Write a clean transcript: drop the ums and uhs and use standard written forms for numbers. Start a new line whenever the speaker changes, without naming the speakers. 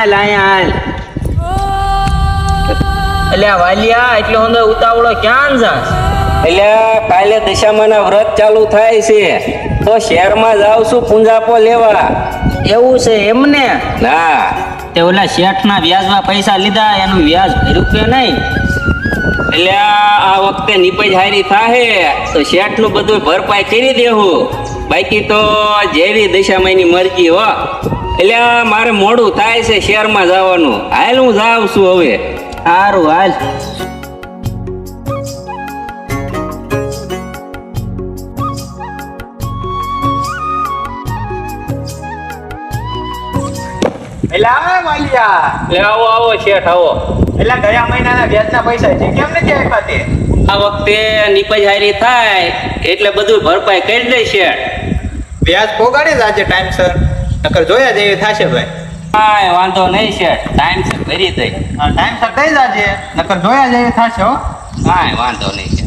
હાલ અહીંયા હાલ.
એટલે વાલિયા એટલે હું ઉતાવળો ક્યાં જાસ?
એટલે કાલે દશામાના વ્રત ચાલુ થાય છે તો શહેરમાં જાઉં છું પૂંજાપો લેવા.
એવું છે એમને?
ના
તે ઓલા શેઠના વ્યાજમાં પૈસા લીધા એનું વ્યાજ ભર્યું કે નહીં?
એટલે આ વખતે નીપજ હારી થાહે તો શેઠનું બધું ભરપાઈ કરી દેવું, બાકી તો જેવી દશામાની મરજી હો. એટલે મારે મોડું થાય છે શહેરમાં જવાનું. હાલ હું જાઉં છું હવે.
સારું હાલ.
એટલે આવે વાલિયા.
એટલે આવો આવો શેઠ આવો.
એટલે ગયા મહિનાના વ્યાજના પૈસા છે કેમ નથી આપ્યા તે?
આ વખતે નીપજ હારી થાય એટલે બધું ભરપાઈ કરી દે શેઠ.
વ્યાજ પોગાડી જ આજે ટાઈમસર, નકર જોયા જેવી થશે ભાઈ.
કાંઈ વાંધો નહીં શેઠ, ટાઈમ છે ભરી દઈ.
ટાઈમસર થઈ જાજે, નકર જોયા જેવી થશે હો.
કાંઈ વાંધો નહીં.